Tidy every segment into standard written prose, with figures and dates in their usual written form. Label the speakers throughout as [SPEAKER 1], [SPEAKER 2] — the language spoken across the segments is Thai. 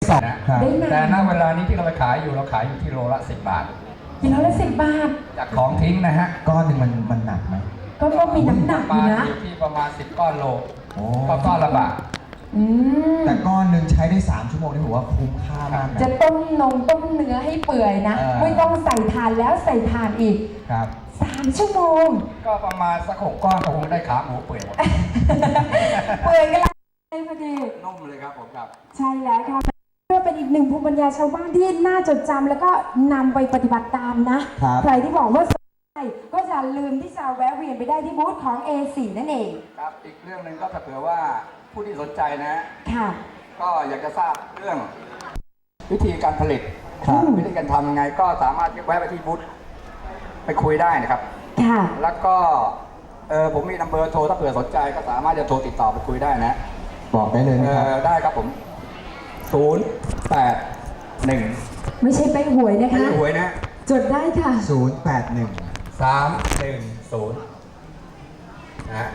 [SPEAKER 1] สอง
[SPEAKER 2] ได้นาน
[SPEAKER 3] แต่ณเวลานี้ที่เราไปขายอยู่เราขายอยู่ที่โลละ10 บาท
[SPEAKER 2] กิโลละ10 บาท
[SPEAKER 3] จากของทิ้งนะฮะ
[SPEAKER 1] ก้อนหนึ่งมันหนักไหม
[SPEAKER 2] ก็มีน้ำหนักอยู่นะ
[SPEAKER 3] อยู่ที่ประมาณ10 ก้อนโล
[SPEAKER 1] โอ้
[SPEAKER 3] ก็ก้อนละบาท
[SPEAKER 2] อืม
[SPEAKER 1] แต่ก้อนหนึ่งใช้ได้3 ชั่วโมงนี่ผมว่าคุ้มค่ามากนะ
[SPEAKER 2] จะต้มเนื้อให้เปื่อยนะ ไม่ต้องใส่ถ่านแล้วใส่ถ่านอีก
[SPEAKER 1] ครับ
[SPEAKER 2] 3 ชั่วโมง
[SPEAKER 3] ก็ประมาณสัก6 ก้อนก็คงได้ขาหมูเปื่อยหมด
[SPEAKER 2] เปื่อยกันแล้วพอดี
[SPEAKER 3] นุ่มเลยครับผมครับ
[SPEAKER 2] ใช่แล้วค่ะเพื่อเป็นอีกหนึ่งภูมิปัญญาชาวบ้านที่น่าจดจำแล้วก็นำไปปฏิบัติตามนะ
[SPEAKER 1] ครับ
[SPEAKER 2] ใครที่บอกว่าสนใจก็จะลืมที่จะแวะเวียนไปได้ที่บูธของ A4 นั่นเอง
[SPEAKER 3] ครับอีกเรื่องหนึ่งก็ถ้าเผื่อว่าผู้ที่สนใจนะ
[SPEAKER 2] ค่ะ
[SPEAKER 3] ก็อยากจะทราบเรื่องวิธีการผลิต
[SPEAKER 1] ครับ
[SPEAKER 3] วิธีการทำยังไงก็สามารถแวะไปที่บูธไปคุยได้นะครับ
[SPEAKER 2] ค่ะ
[SPEAKER 3] แล้วก็ผมมีนัมเบอร์โทรถ้าเผื่อสนใจก็สามารถจะโทรติดต่อไปคุยได้นะ
[SPEAKER 1] บอกได้เลยนะครับ
[SPEAKER 3] ได้ครับผม 081
[SPEAKER 2] ไม่ใช่ไปหวยนะ
[SPEAKER 3] ไม่
[SPEAKER 2] คะ
[SPEAKER 3] ใช่หวยนะ
[SPEAKER 2] จดได้ค่ะ
[SPEAKER 1] 081
[SPEAKER 3] 310นะฮะ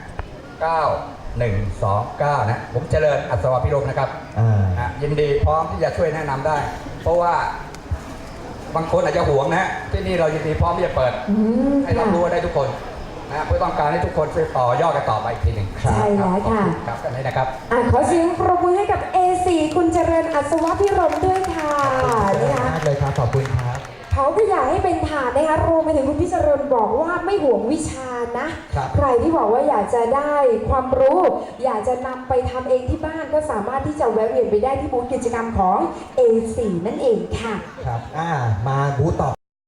[SPEAKER 3] 9129นะผมเจริญอัศวพิรมนะครับ ยินดีพร้อมที่จะช่วยแนะนำได้ เพราะว่าบางคนอาจจะหวงนะที่นี่เรายินดีพร้อมที่จะเปิด ให้รับรู้ได้ทุกคนนะเพื่อต้องการให้ทุกคนช่วยต่อยอดกันต่อไปอีกทีหนึ่ง
[SPEAKER 2] ใช่แล้วค่ะ
[SPEAKER 3] ครับกันนี้นะครับ
[SPEAKER 2] ขอเสียงปรบมือให้กับ A4 คุณเจริญอัศวพิรมด้วยค่ะ
[SPEAKER 1] ขอบคุณ
[SPEAKER 2] นะคะ
[SPEAKER 1] มากเลยครับ ขอบคุณครับ
[SPEAKER 2] เขาก็อยากให้เป็นฐานนะคะรวมไปถึงคุณพิจารณบอกว่าไม่ห่วงวิชานะ
[SPEAKER 1] ครับ
[SPEAKER 2] ใครที่บอกว่าอยากจะได้ความรู้ อยากจะนำไปทำเองที่บ้านก็สามารถที่จะแวะเวียนไปได้ที่บูธกิจกรรมของ A4 นั่นเองค่ะ
[SPEAKER 1] ครับมาบูธต่อ